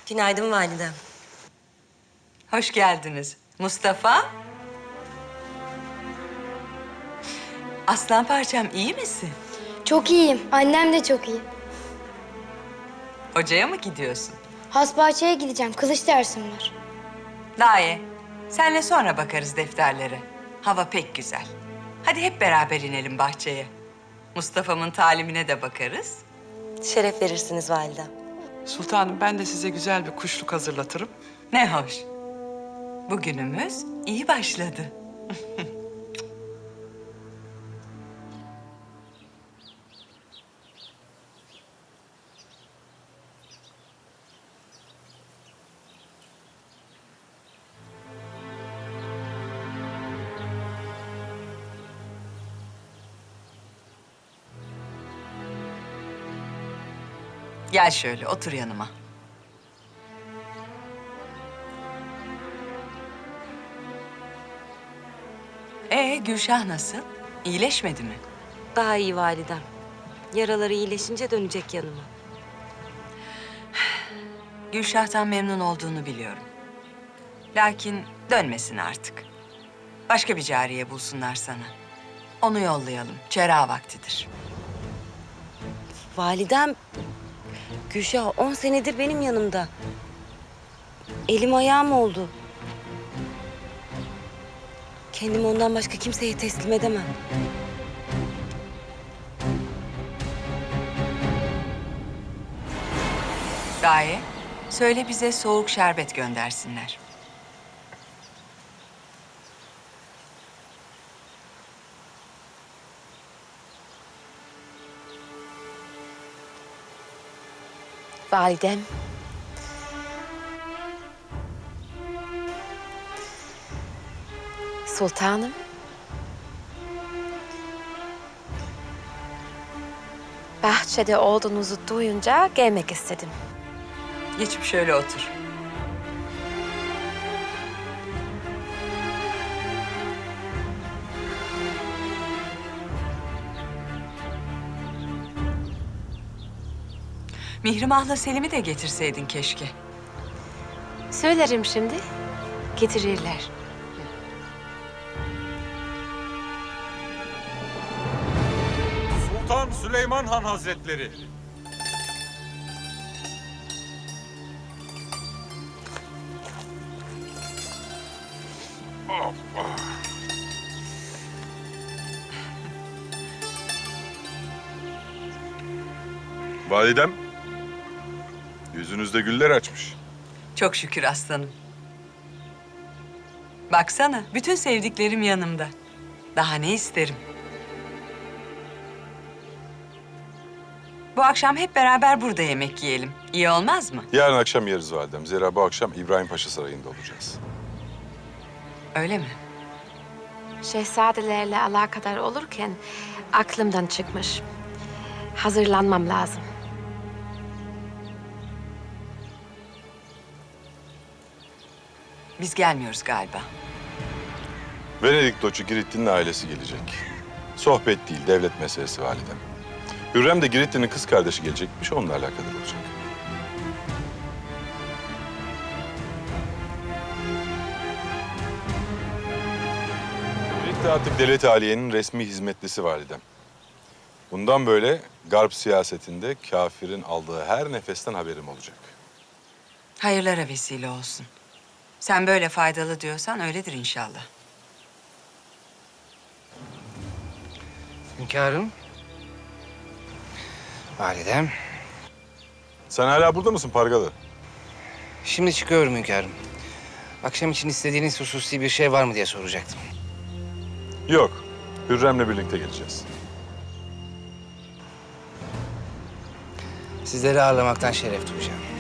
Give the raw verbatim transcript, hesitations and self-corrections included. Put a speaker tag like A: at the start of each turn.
A: Günaydın validem.
B: Hoş geldiniz. Mustafa. Aslan parçam iyi misin?
C: Çok iyiyim. Annem de çok iyi.
B: Hocaya mı gidiyorsun?
C: Hasbahçe'ye gideceğim. Kılıç dersim var.
B: Daye, senle sonra bakarız defterlere. Hava pek güzel. Hadi hep beraber inelim bahçeye. Mustafa'mın talimine de bakarız.
A: Şeref verirsiniz validem.
D: Sultanım ben de size güzel bir kuşluk hazırlatırım.
B: Ne hoş. Bugünümüz iyi başladı. Gel şöyle otur yanıma. Ee Gülşah nasıl? İyileşmedi mi?
A: Daha iyi validem. Yaraları iyileşince dönecek yanıma.
B: Gülşah'tan memnun olduğunu biliyorum. Lakin dönmesin artık. Başka bir cariye bulsunlar sana. Onu yollayalım. Çera vaktidir.
A: Validem, Gülşah on senedir benim yanımda. Elim ayağım oldu. Kendimi ondan başka kimseye teslim edemem.
B: Gaye, söyle bize soğuk şerbet göndersinler.
A: Validem. Sultanım.
E: Bahçede olduğunuzu duyunca gelmek istedim.
B: Geçip şöyle otur. Mihrimah'la Selim'i de getirseydin keşke.
E: Söylerim şimdi, getirirler.
F: Sultan Süleyman Han Hazretleri.
G: Validem, yüzünüzde güller açmış.
B: Çok şükür aslanım. Baksana, bütün sevdiklerim yanımda. Daha ne isterim? Bu akşam hep beraber burada yemek yiyelim. İyi olmaz mı?
G: Yarın akşam yeriz validem. Zira bu akşam İbrahim Paşa Sarayı'nda olacağız.
B: Öyle mi?
E: Şehzadelerle alakadar olurken aklımdan çıkmış. Hazırlanmam lazım.
B: Biz gelmiyoruz galiba.
G: Venedik Doçu Giritli'nin ailesi gelecek. Sohbet değil, devlet meselesi validem. Hürrem de Giritli'nin kız kardeşi gelecekmiş, onunla alakadar olacak. Girit de artık devlet aliyenin resmi hizmetlisi validem. Bundan böyle Garp siyasetinde kafirin aldığı her nefesten haberim olacak.
B: Hayırlara vesile olsun. Sen böyle faydalı diyorsan öyledir inşallah.
H: Hünkârım. Validem.
G: Sen hala burada mısın Pargalı?
H: Şimdi çıkıyorum hünkârım. Akşam için istediğiniz hususi bir şey var mı diye soracaktım.
G: Yok, Hürrem'le birlikte geleceğiz.
H: Sizleri ağırlamaktan şeref duyacağım.